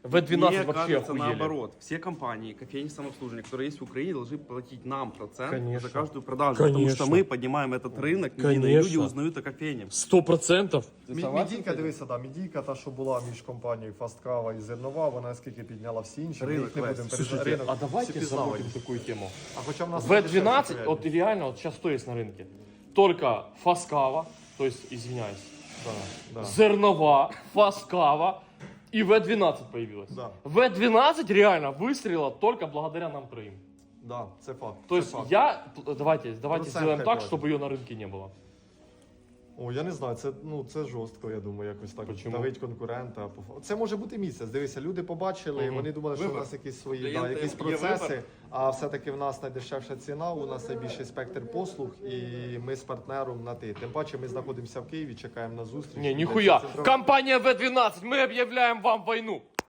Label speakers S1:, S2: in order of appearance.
S1: В12
S2: Мне
S1: вообще
S2: кажется,
S1: охуели.
S2: наоборот. Все компании, кофейни самообслуживания, которые есть в Украине, должны платить нам процент
S1: Конечно.
S2: за каждую продажу. Потому что
S1: Конечно.
S2: мы поднимаем этот рынок, медийный, и
S1: Конечно.
S2: люди узнают о кофейне.
S1: 100%.
S3: Мідійка, дивися, да, мідійка, та, що була між компанією Фасткава і Зернова, вона скільки підняла всі інші, ми
S2: Ринок
S3: їх не
S2: весь.
S3: будемо
S1: Слушайте,
S3: ринок
S1: а давайте
S3: всі пізнавані.
S1: забудем такую тему.
S3: А хоча в нас
S1: В12, вот реально, вот сейчас что есть на рынке? Только Фаскава, то есть, извиняюсь,
S3: да.
S1: Зернова, Фаскава и В12 появилась.
S3: Да.
S1: В12 реально выстрелила только благодаря нам троим.
S3: Да, це факт.
S1: То
S3: це
S1: есть
S3: факт.
S1: давайте
S3: Процент
S1: сделаем так,
S3: какой-то.
S1: чтобы ее на рынке не было.
S3: О, я не знаю, це жорстко, я думаю, якось так
S1: Почему?
S3: давить конкурента. Це може бути місяць. Дивися, люди побачили, вони думали, що у нас якісь свої
S2: Клієнти,
S3: якісь
S2: є
S3: процеси,
S2: вибір.
S3: а все-таки в нас найдешевша ціна, у нас найбільший спектр послуг, і ми з партнером на ти. Тим паче ми знаходимося в Києві, чекаємо на зустріч.
S1: Не, нихуя. Компания В12, мы объявляем вам войну.